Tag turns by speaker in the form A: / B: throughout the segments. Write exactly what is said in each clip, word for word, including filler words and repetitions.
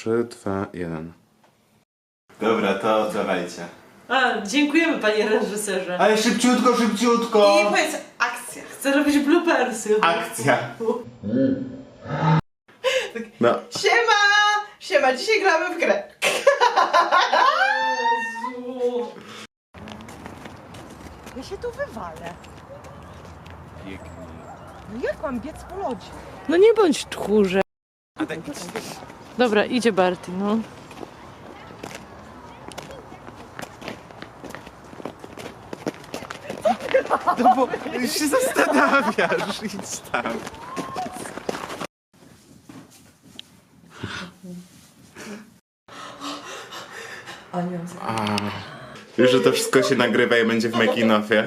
A: trzy, dwa, jeden.
B: Dobra, to dawajcie.
C: A, dziękujemy panie reżyserze.
B: Ale szybciutko, szybciutko!
D: I powiedz akcja.
C: Chcę robić bloopersy.
B: Akcja!
A: No.
D: Siema! Siema, dzisiaj gramy w grę.
C: Jezu.
E: Ja się tu wywalę. No jak mam biec po lodzie?
C: No nie bądź tchórze. Dobra, idzie Barty, no.
B: No bo się zastanawiasz, idź tam. A, już, że to wszystko się nagrywa i będzie w making-offie.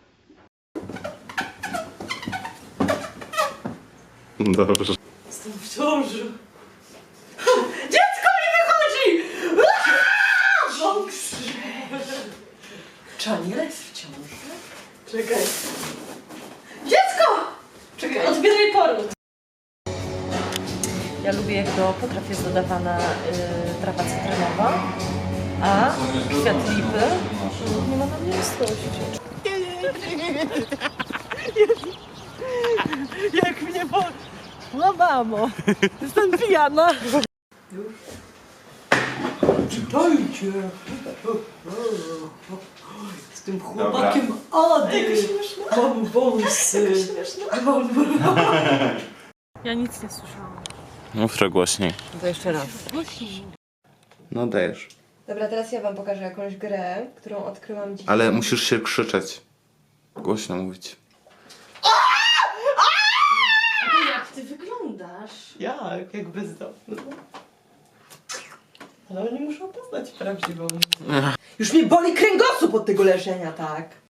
B: Dobrze.
C: Jestem w ciąży. Dziecko mi wychodzi! Boks!
E: Czaniel jest w ciąży?
C: Czekaj. Dziecko! Czekaj, odbieraj poród. Ja lubię, jak do potraw jest dodawana y, trawa cytrynowa, a kwiat lipy nie ma na mnie litości. Jak mnie po... No mamo, jestem pijana. Już? Czytajcie. Z tym chłopakiem Ady. Mam wąsy. Mam... Ja nic nie słyszałam.
A: Mów trochę głośniej.
E: To jeszcze raz.
A: No dajesz.
D: Dobra, teraz ja wam pokażę jakąś grę, którą odkryłam dzisiaj.
A: Ale musisz się krzyczeć. Głośno mówić.
C: Jak ty wyglądasz?
D: Jak? Jak bezdomny. Ale oni muszą poznać prawdziwą. Już mnie boli kręgosłup od tego leżenia, tak?